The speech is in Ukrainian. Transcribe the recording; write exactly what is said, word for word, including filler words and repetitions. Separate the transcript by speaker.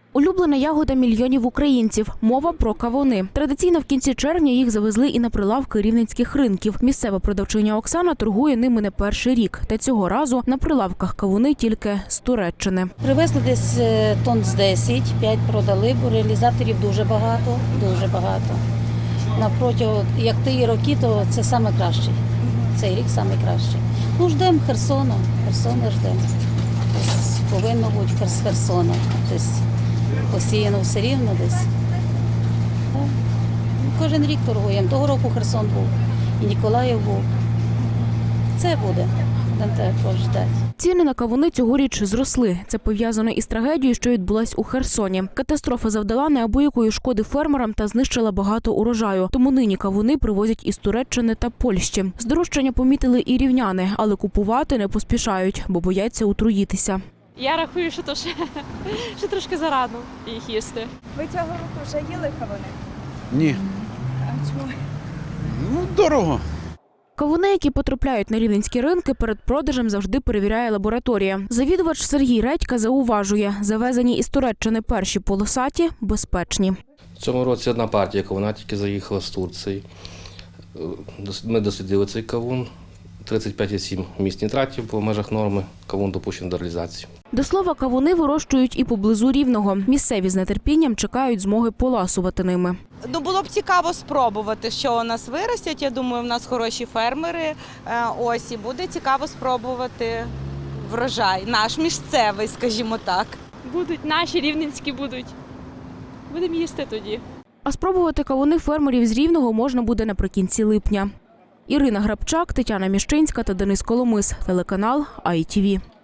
Speaker 1: Улюблена ягода мільйонів українців. Мова про кавуни. Традиційно в кінці червня їх завезли і на прилавки рівненських ринків. Місцева продавчиня Оксана торгує ними не перший рік. Та цього разу на прилавках кавуни тільки з Туреччини.
Speaker 2: Привезли десь тонн з десять, п'ять продали, бо реалізаторів дуже багато, дуже багато. Напроти, як ті роки, то це саме кращий. Цей рік саме кращий. Ну, ждемо Херсона, Херсона ждемо. Десь повинно бути з Херсона. Десь посіяно все рівно десь. Так. Кожен рік торгуємо. Того року Херсон був, і Ніколаїв був. Це буде, будемо також ждати.
Speaker 1: Ціни на кавуни цьогоріч зросли. Це пов'язано із трагедією, що відбулась у Херсоні. Катастрофа завдала неабиякої шкоди фермерам та знищила багато урожаю. Тому нині кавуни привозять із Туреччини та Польщі. Здорожчання помітили і рівняни, але купувати не поспішають, бо бояться отруїтися.
Speaker 3: Я рахую, що то ще, ще трошки зарано їх їсти.
Speaker 4: Ви цього року вже їли кавуни?
Speaker 5: Ні.
Speaker 4: А чому?
Speaker 5: Ну, дорого.
Speaker 1: Кавуни, які потрапляють на рівненські ринки, перед продажем завжди перевіряє лабораторія. Завідувач Сергій Редька зауважує, завезені із Туреччини перші полосаті безпечні.
Speaker 6: В цьому році одна партія кавуна тільки заїхала з Турції. Ми дослідили цей кавун. тридцять п'ять цілих сім місць нітратів по межах норми. Кавун допущений до реалізації.
Speaker 1: До слова, кавуни вирощують і поблизу Рівного. Місцеві з нетерпінням чекають змоги поласувати ними.
Speaker 7: Ну, було б цікаво спробувати, що у нас виростять. Я думаю, в нас хороші фермери. Ось, і буде цікаво спробувати врожай. Наш місцевий, скажімо так.
Speaker 3: Будуть наші рівненські будуть. Будемо їсти тоді.
Speaker 1: А спробувати кавуни фермерів з Рівного можна буде наприкінці липня. Ірина Грабчак, Тетяна Міщинська та Денис Коломис. Телеканал ай ті ві.